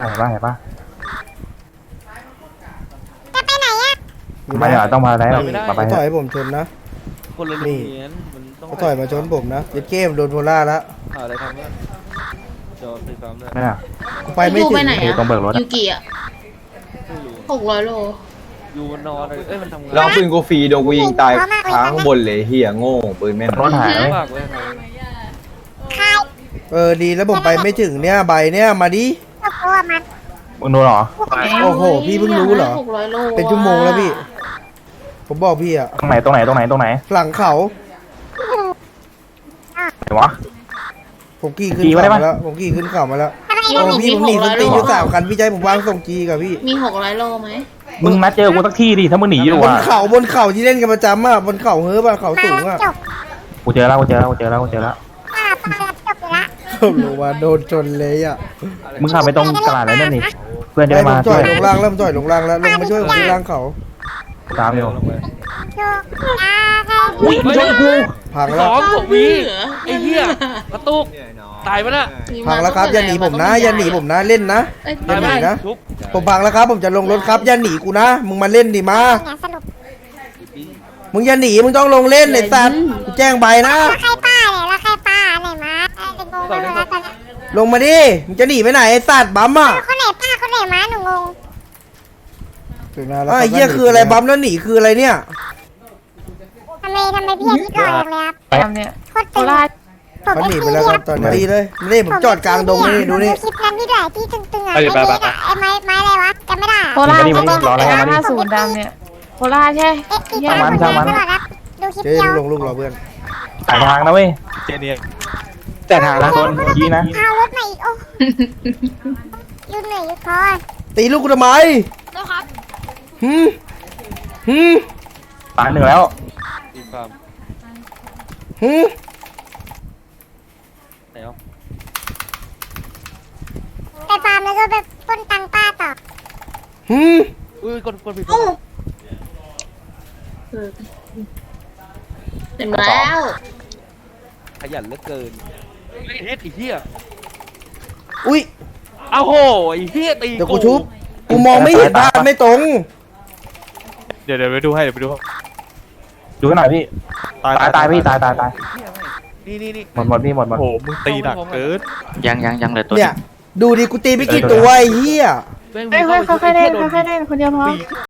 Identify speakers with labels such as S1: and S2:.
S1: เห็นป่ะเห็นป่ะ
S2: จะไปไหนอ่ะ
S1: ไม่เหรอต้องมาแล้วมาไป
S3: เขาถอยผมชนนะ
S4: คนละโรงเรียนมันต้อง
S3: เขาถอยมาชนผมนะเด็ดเกมโดนโพล่าแล้ว
S4: หาอะไรทำเนี่ยจอตีความเลย
S1: ไม่น่ะ
S3: กูไปไม่
S5: ยู
S3: ถึ
S5: ไป
S3: ง
S5: ไหน
S1: อยู่
S5: อะ
S1: ตรงเบิกรถ
S5: ยูกิอะ600 โล
S4: อยู่มันนอนเลยเอ้ยมันทำงาน
S6: แล้วปืนกูฟรีโดนกูยิงตายค้างบนเลยเฮียโง่ปืนแม่น
S1: รถหาย
S4: มากเลย
S2: ใคร
S3: ดีแล้วผมไปไม่ถึงเนี่ยใบเนี่ยมาดิ
S2: ก็กลัวมัน
S1: มึงดูเหรอ
S3: โอ้โหพี่เพิ่งรู้เหรอ
S5: 600 โล
S3: เป็นชั่วโมงแล้วพี่ ผมบอกพี่อะ
S1: ตรงไหนตรงไหนตรงไหนตรงไหน
S3: หลังเขา
S1: ไหนวะ
S3: ผมขี่ขึ้น
S1: ขี่มาได้
S3: เขา
S1: ปะ
S3: มาแล้วผมขี่ขึ้นเขามาแล้ว
S2: ทำไม
S3: โอ้พี่ผมหนีสติอยู่3 คันพี่ใจผมวางส่งจีกับพี่
S5: มี600 โลไหม
S1: มึงนัดเจอกูสักที่ดิถ้ามึงหนีอยู่
S3: บน
S1: อ่ะ
S3: เขาที่เล่นกันประจำอะบนเขาเฮ้ยอะเขาสูงอะ
S2: จบ
S1: กูเจอแล้วกูเจอแล้วกูเจอแล้วกูเจอแล้ว
S2: ป้าจบอยู่ละ
S3: ผมรู้ว่าโดนชนเลยอะ
S1: มึงขับไปตรงตลาดอะไรนั่นนี่เพื่อนจะ
S3: ไอ้
S1: ได้
S3: ผม
S1: มา
S3: จ่
S1: ช่
S3: อ
S1: วย ย
S3: ลงล่างเริ่มจ่อยลงล่างแล้วลงมาช่วยผมที่ล่างเขา
S1: ตามอยู่
S2: จบนะใคร
S1: อุ้ยมึงช่วยกู
S3: พัง
S4: ส
S3: แล้ว
S4: องผมวีไอ้เหี้ยกระตุกตายปะน่ะ
S3: พังแล้วครับอย่าหนีผมนะอย่าหนีผมนะเล่นนะ
S5: เอ้ย
S3: อย่าหนีนะ
S4: ชุบ
S3: ผมพังแล้วครับผมจะลงรถครับอย่าหนีกูนะมึงมาเล่นดิมา
S2: เนี่ยสรุป
S3: มึงอย่าหนีมึงต้องลงเล่นไอ้สัตว์กูแจ้งใบนะ
S2: แล้วใครป้าเนี่ยแล้วใครป้าไหนมาไอ้งงไปหมดแล้วตอนนี้
S3: ลงมาดิมึงจะหนีไปไหนไอ้สัตว์บัมอ่ะ
S2: คนไหนป้าคนไหนม้าหนูงง
S3: ไอ้เหี้ยคืออะไรบัมแล้วหนีคืออะไรเนี่ย
S2: ทำไมพี่อาทิตย์หล่อจังเลยครับ
S5: ไปเนี่ย
S2: โคตรตึงผม
S3: เขาหนี
S2: เอ
S3: ไป
S2: ฟซี
S3: แล้วครับตอนนี้เลยนี่ผมจอดกลางดงนี่ดูนี่
S2: คลิปนั้นพี่ด้วยที่ตึงๆอ่ะไอ้เล็กอ่ะไอ้ไม้อะไรวะจำไม่ได้
S5: โคราชก็ต้อง50 ดำเนี่ยโคราชใช่
S2: เอ๊ะติดตามคนเดียวตลอดครับดูคลิป
S3: เจ๊
S2: เดียว
S3: ลงลูกเราเพื่อน
S1: สายทางนะเว้ย
S4: เจเนีย
S1: แต่ทางนะคนยีนะ
S2: พารถมาอีกโอ้ยืนเหนื่อยยืนท้อ
S3: ตีลูกกูทำไมหืมหืม
S1: ตายหนึ่งแล้ว
S4: ตีความ
S3: หืม
S4: ไหนเอา
S2: ไปฟาร์มแล้วก็ไปปล้นตังป้าต่อ
S3: หืม
S4: อุ้ยกดผิด
S5: เห็นแล้ว
S4: ขยันเหลือเกินไอ้เฮ็ดไอ้เหี้ย
S3: อุ้ย
S4: อ้าวโหไอ้เหี้ยตี
S3: เดี๋ยวกูชุบกูมองไม่เห็นภาพไม่ตรง
S7: เดี๋ยวไปดูให้เดี๋ยวไปดูให้
S1: ดูกันหน่อยพี่ตายพี่ตาย
S4: นี่
S1: หมดพี่หมด
S7: โอ้โหมึงตีหนักเกิน
S8: ยังเลยตัว
S3: เนี่ยดูดิกูตีไปกี่ตัวไอ้เหี้ย
S4: แม่ง
S5: เฮ้ยค่อยๆเล่นค่อยๆเล่นคนเดียวพอ
S4: ตี